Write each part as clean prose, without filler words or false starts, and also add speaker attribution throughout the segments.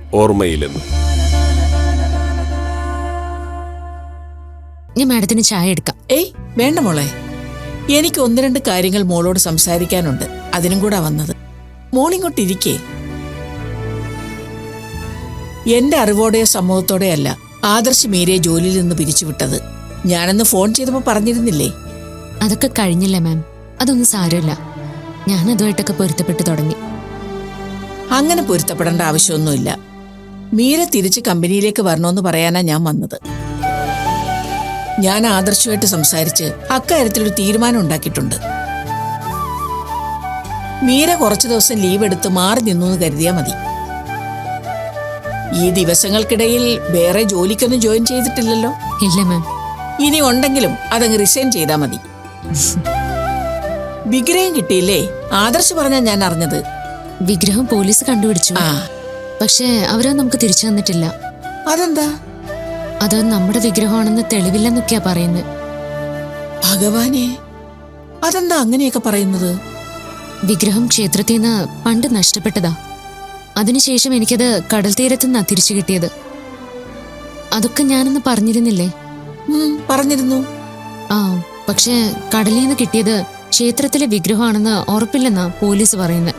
Speaker 1: ഓർമ്മയിലെന്നും.
Speaker 2: ഞാൻ മാഡത്തിന് ചായ എടുക്കാം.
Speaker 3: ഏയ് വേണ്ട മോളെ, എനിക്ക് ഒന്ന് രണ്ട് കാര്യങ്ങൾ മോളോട് സംസാരിക്കാനുണ്ട്. അതിനും കൂടെ വന്നത്. മോളിങ്ങോട്ടിരിക്കേ. എന്റെ അറിവോടെയോ സമ്മതത്തോടെയോ അല്ല ആദർശ് മീരയെ ജോലിയിൽ നിന്ന് പിരിച്ചുവിട്ടത്. ഞാനന്ന് ഫോൺ ചെയ്തപ്പോ പറഞ്ഞിരുന്നില്ലേ?
Speaker 2: അതൊക്കെ കഴിഞ്ഞില്ലേ മാം, അതൊന്നും സാരമില്ല. ഞാൻ അതുമായിട്ടൊക്കെ പൊരുത്തപ്പെട്ടു തുടങ്ങി.
Speaker 3: അങ്ങനെ പൊരുത്തപ്പെടേണ്ട ആവശ്യമൊന്നുമില്ല. മീര തിരിച്ച് കമ്പനിയിലേക്ക് വരണമെന്ന് പറയാനാ ഞാൻ വന്നത്. ഞാൻ ആദർശുമായിട്ട് സംസാരിച്ച് അക്കാര്യത്തിലൊരു തീരുമാനം ഉണ്ടാക്കിയിട്ടുണ്ട്. മീര കുറച്ചു ദിവസം ലീവ് എടുത്ത് മാറി നിന്നു എന്ന് കരുതിയാ മതി. ഈ ദിവസങ്ങൾക്കിടയിൽ വേറെ ജോലിക്കൊന്നും ജോയിൻ ചെയ്തിട്ടില്ലല്ലോ?
Speaker 2: ഇല്ല മാം.
Speaker 3: ഇനി ഉണ്ടെങ്കിലും അതങ്ങ് റിസൈൻ ചെയ്താ മതി. വിഗ്രഹം കിട്ടിയില്ലേ? ആദർശ് പറഞ്ഞാ ഞാൻ അറിഞ്ഞത്.
Speaker 2: വിഗ്രഹം പോലീസ് കണ്ടുപിടിച്ചു. പക്ഷേ അവരോ നമുക്ക് തിരിച്ചു തന്നിട്ടില്ല.
Speaker 3: അതെന്താ?
Speaker 2: അത് നമ്മുടെ വിഗ്രഹമാണെന്ന് തെളിവില്ലെന്നൊക്കെയാ പറയുന്നത്.
Speaker 3: ഭഗവാനെ, അതെന്താ അങ്ങനെയൊക്കെ പറയുന്നത്?
Speaker 2: വിഗ്രഹം ക്ഷേത്രത്തിൽ നിന്ന് പണ്ട് നഷ്ടപ്പെട്ടതാ. അതിനുശേഷം എനിക്കത് കടൽ തീരത്തുനിന്നാ തിരിച്ചു കിട്ടിയത്. അതൊക്കെ ഞാനൊന്ന് പറഞ്ഞിരുന്നില്ലേ?
Speaker 3: പറഞ്ഞിരുന്നു.
Speaker 2: പക്ഷേ കടലിൽ നിന്ന് കിട്ടിയത് ക്ഷേത്രത്തിലെ വിഗ്രഹമാണെന്ന് ഉറപ്പില്ലെന്നാ പോലീസ് പറയുന്നത്.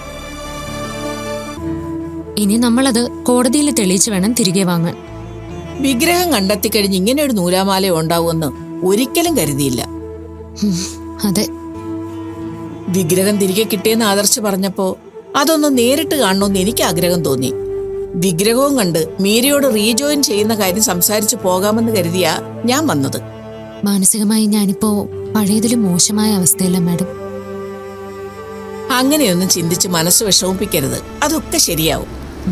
Speaker 2: ഇനി നമ്മളത് കോടതിയിൽ തെളിയിച്ചു വേണം തിരികെ വാങ്ങാൻ.
Speaker 3: വിഗ്രഹം കണ്ടെത്തിക്കഴിഞ്ഞ് ഇങ്ങനെ ഒരു നൂലാമാല ഉണ്ടാവുമെന്ന് ഒരിക്കലും കരുതിയില്ല.
Speaker 2: അതെ.
Speaker 3: വിഗ്രഹം തിരികെ കിട്ടിയെന്ന് ആദർശ് പറഞ്ഞപ്പോ അതൊന്ന് നേരിട്ട് കാണണമെന്ന് എനിക്ക് ആഗ്രഹം തോന്നി. വിഗ്രഹവും കണ്ട് മീരയോട് റീജോയിൻ ചെയ്യുന്ന കാര്യം സംസാരിച്ചു പോകാമെന്ന് കരുതിയാ ഞാൻ വന്നത്.
Speaker 2: മാനസികമായി ഞാനിപ്പോ പഴയതിലും മോശമായ അവസ്ഥയല്ല മാഡം.
Speaker 3: അങ്ങനെയൊന്നും ചിന്തിച്ച് മനസ്സ് വിഷമിപ്പിക്കരുത്. അതൊക്കെ ശരിയാവും.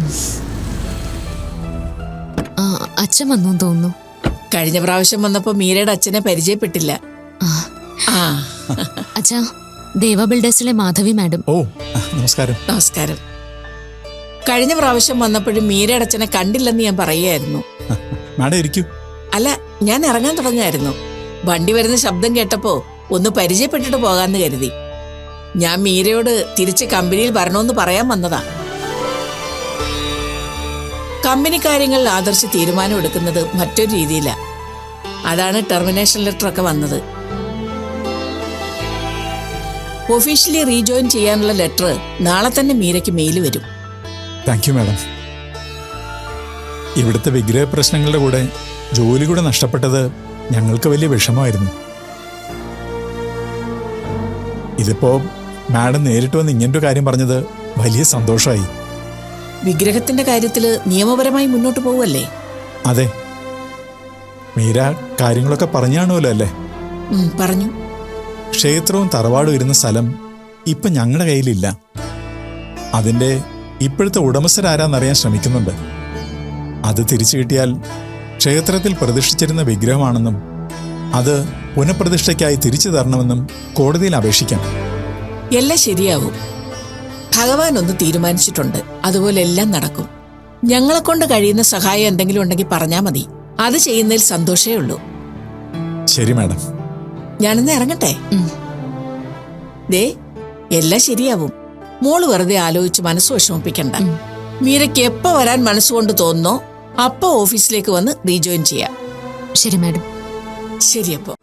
Speaker 2: അച്ഛൻ വന്നു തോന്നുന്നു.
Speaker 3: കഴിഞ്ഞ പ്രാവശ്യം വന്നപ്പോ മീരയുടെ അച്ഛനെ പരിചയപ്പെട്ടില്ല.
Speaker 2: അച്ഛാ, ദേവ ബിൽഡേഴ്സിലെ മാധവി മാഡം.
Speaker 4: ഓ, നമസ്കാരം.
Speaker 3: നമസ്കാരം. കഴിഞ്ഞ പ്രാവശ്യം വന്നപ്പോഴും മീരയുടെ അച്ഛനെ കണ്ടില്ലെന്ന് ഞാൻ പറയുകയായിരുന്നു.
Speaker 4: മാഡം ഇരിക്കൂ.
Speaker 3: അല്ല, ഞാൻ ഇറങ്ങാൻ തുടങ്ങായിരുന്നു. വണ്ടി വരുന്ന ശബ്ദം കേട്ടപ്പോ ഒന്ന് പരിചയപ്പെട്ടിട്ട് പോകാന്ന് കരുതി. ഞാൻ മീരയോട് തിരിച്ച് കമ്പനിയിൽ വരണമെന്ന് പറയാൻ വന്നതാ. കമ്പനി കാര്യങ്ങളിൽ ആദർശ് തീരുമാനം എടുക്കുന്നത് മറ്റൊരു രീതിയിലാ. അതാണ് ടെർമിനേഷൻ ലെറ്റർ ഒക്കെ വന്നത്. ഒഫീഷ്യലി റീജോയിൻ ചെയ്യാനുള്ള ലെറ്റർ നാളെ തന്നെ മീരയ്ക്ക് മെയിൽ വരും.
Speaker 4: Thank you madam. ഇവിടുത്തെ വിഗ്രഹ പ്രശ്നങ്ങളുടെ കൂടെ ജോലി കൂടെ നഷ്ടപ്പെട്ടത് ഞങ്ങൾക്ക് വലിയ വിഷമമായിരുന്നു. ഇതിപ്പോ മാഡം നേരിട്ട് വന്ന് ഇങ്ങനൊരു കാര്യം പറഞ്ഞത് വലിയ സന്തോഷമായി.
Speaker 3: വിഗ്രഹത്തിന്റെ കാര്യത്തില് നിയമപരമായി മുന്നോട്ട് പോവല്ലേ?
Speaker 4: അതെ. മീര കാര്യങ്ങളൊക്കെ പറഞ്ഞാണല്ലോ അല്ലേ?
Speaker 3: പറഞ്ഞു.
Speaker 4: ക്ഷേത്രവും തറവാടും ഇരുന്ന സ്ഥലം ഇപ്പൊ ഞങ്ങളുടെ കയ്യിലില്ല. അതിന്റെ ഇപ്പോഴത്തെ ഉടമസ്ഥരാരാന്നറിയാൻ ശ്രമിക്കുന്നുണ്ട്. അത് തിരിച്ചു കിട്ടിയാൽ ക്ഷേത്രത്തിൽ പ്രതിഷ്ഠിച്ചിരുന്ന വിഗ്രഹമാണെന്നും അത് പുനഃപ്രതിഷ്ഠയ്ക്കായി തിരിച്ചു തരണമെന്നും കോടതിയിൽ അപേക്ഷിക്കാം.
Speaker 3: എല്ലാം ശരിയാവും. ഭഗവാൻ ഒന്ന് തീരുമാനിച്ചിട്ടുണ്ട്. അതുപോലെ എല്ലാം നടക്കും. ഞങ്ങളെ കൊണ്ട് കഴിയുന്ന സഹായം എന്തെങ്കിലും ഉണ്ടെങ്കിൽ പറഞ്ഞാൽ മതി. അത് ചെയ്യുന്നതിൽ സന്തോഷമേ ഉള്ളൂ.
Speaker 4: ശരി മാഡം.
Speaker 3: ഞാനിന്ന് ഇറങ്ങട്ടെ. ദേ, എല്ലാം ശരിയാവും. മോള് വെറുതെ ആലോചിച്ച് മനസ്സ് വിഷമിപ്പിക്കണ്ട. മീരയ്ക്ക് എപ്പോ വരാൻ മനസ്സുകൊണ്ട് തോന്നുന്നോ അപ്പോ ഓഫീസിലേക്ക് വന്ന് റീജോയിൻ ചെയ്യാം.
Speaker 2: ശരി മാഡം.
Speaker 3: ശരി. അപ്പോ